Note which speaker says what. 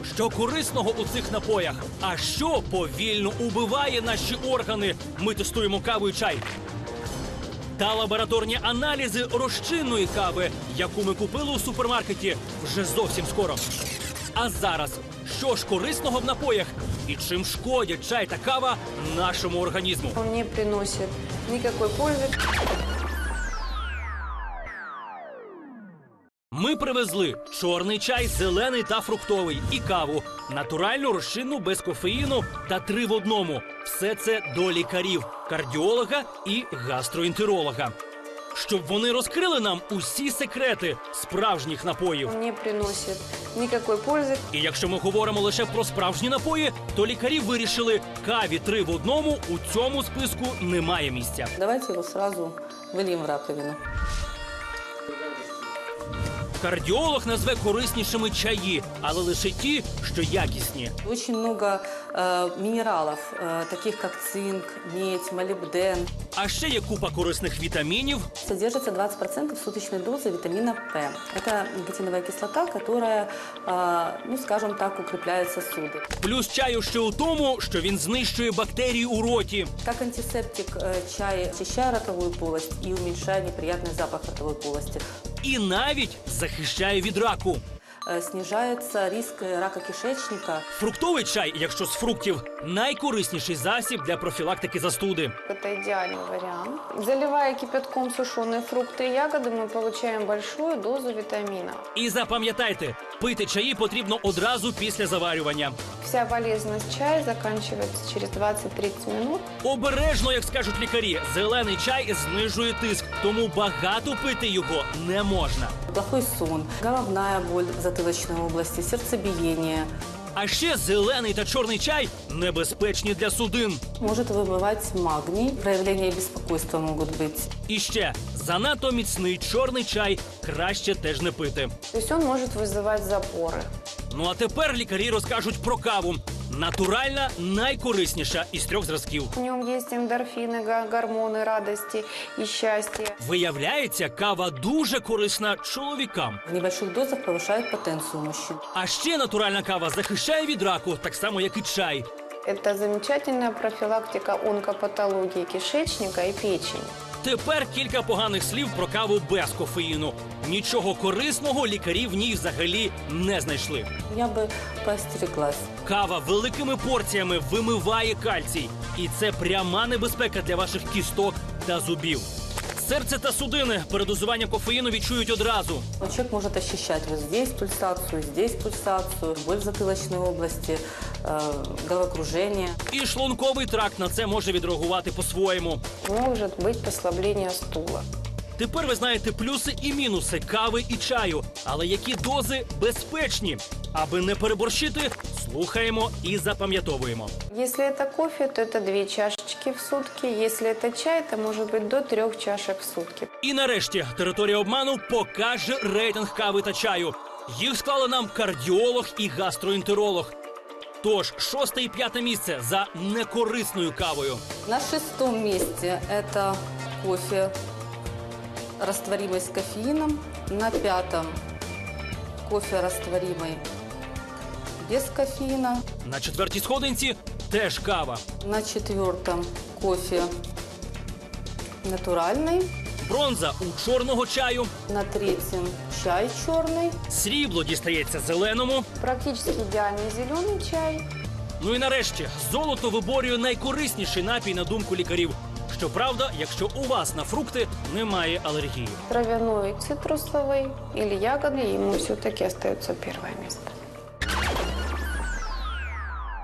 Speaker 1: Що корисного у цих напоях? А що повільно убиває наші органи? Ми тестуємо каву і чай. Та лабораторні аналізи розчинної кави, яку ми купили у супермаркеті вже зовсім скоро. А зараз, що ж корисного в напоях? І чим шкодять чай та кава нашому організму?
Speaker 2: Он не приносит никакой пользы.
Speaker 1: Ми привезли чорний чай, зелений та фруктовий і каву. Натуральну, розчинну, без кофеїну та 3 в одному. Все це до лікарів, кардіолога і гастроентеролога. Щоб вони розкрили нам усі секрети справжніх напоїв.
Speaker 2: Он не приносит никакой пользы.
Speaker 1: І якщо ми говоримо лише про справжні напої, то лікарі вирішили, каві 3 в одному у цьому списку немає місця.
Speaker 3: Давайте его сразу выльем в раковину.
Speaker 1: Кардіолог назве кориснішими чаї, але лише ті, що якісні.
Speaker 3: Очень много минералов, таких как цинк, медь, молибден.
Speaker 1: А ще є купа корисних вітамінів.
Speaker 3: Содержится 20% суточной дозы витамина П. Это никотиновая кислота, которая, ну скажем так, укрепляет сосуды.
Speaker 1: Плюс чаю ще у тому, що він знищує бактерії у роті.
Speaker 3: Как антисептик чай очищает ротовую полость и уменьшает неприятный запах ротовой полости.
Speaker 1: І навіть захищає від раку.
Speaker 3: Снижается риск рака кишечника.
Speaker 1: Фруктовий чай, якщо з фруктів, найкорисніший засіб для профілактики застуди.
Speaker 2: Это идеальный вариант. Заливая кипятком сушеные фрукты и ягоды, мы получаем большую дозу витамина.
Speaker 1: І запам'ятайте, пити чаї потрібно одразу після заварювання.
Speaker 2: Вся полезность чая заканчивается через 20-30 минут.
Speaker 1: Обережно, як скажуть лікарі, зелений чай знижує тиск, тому багато пити його не можна.
Speaker 3: Плохой сон, головная боль в затылочной области, сердцебиение.
Speaker 1: А ще зелений та чорний чай небезпечні для судин.
Speaker 3: Может выбывать магний, проявления беспокойства могут быть.
Speaker 1: І ще занадто міцний чорний чай краще теж не пити.
Speaker 2: То есть он может вызывать запоры.
Speaker 1: Ну а тепер лікарі розкажуть про каву. Натуральна, найкорисніша із 3 зразків.
Speaker 2: В нем есть эндорфины, гормоны радости и счастья.
Speaker 1: Виявляється, кава дуже корисна чоловікам.
Speaker 3: В небольших дозах повышает потенцию мужчин.
Speaker 1: А ще натуральна кава захищає від раку, так само, як і чай.
Speaker 2: Это замечательная профилактика онкопатологии кишечника и печени.
Speaker 1: Тепер кілька поганих слів про каву без кофеїну. Нічого корисного лікарі в ній взагалі не знайшли.
Speaker 3: Я бы поостереглась.
Speaker 1: Кава великими порціями вимиває кальцій. І це пряма небезпека для ваших кісток та зубів. Серце та судини передозування кофеїну відчують одразу.
Speaker 3: Человек может ощущать вот здесь пульсацию, боль в затылочной области, головокружение.
Speaker 1: І шлунковий тракт на це може відреагувати по-своєму.
Speaker 2: Может быть послабление стула.
Speaker 1: Тепер ви знаєте плюси і мінуси кави і чаю. Але які дози безпечні? Аби не переборщити, слухаємо і запам'ятовуємо.
Speaker 2: Если это кофе, то это 2 чашечки в сутки. Если это чай, то может быть до 3 чашек в сутки.
Speaker 1: І нарешті територія обману покаже рейтинг кави та чаю. Їх склали нам кардіолог і гастроентеролог. Тож, 6 і 5 місце за некорисною кавою.
Speaker 3: На 6-м месте это кофе растворимый с кофеином. На 5-м кофе растворимый без кофеина.
Speaker 1: На 4-й сходинці теж кава.
Speaker 3: На 4-м кофе натуральный.
Speaker 1: Бронза у чорного чаю.
Speaker 3: На 3-м чай черный.
Speaker 1: Срібло дістається зеленому.
Speaker 2: Практически идеальный зеленый чай.
Speaker 1: Ну і нарешті, золото виборює найкорисніший напій на думку лікарів. Щоправда, якщо у вас на фрукти немає алергії.
Speaker 2: Травяной, цитрусовый или ягодный, ему все-таки остается 1-е место.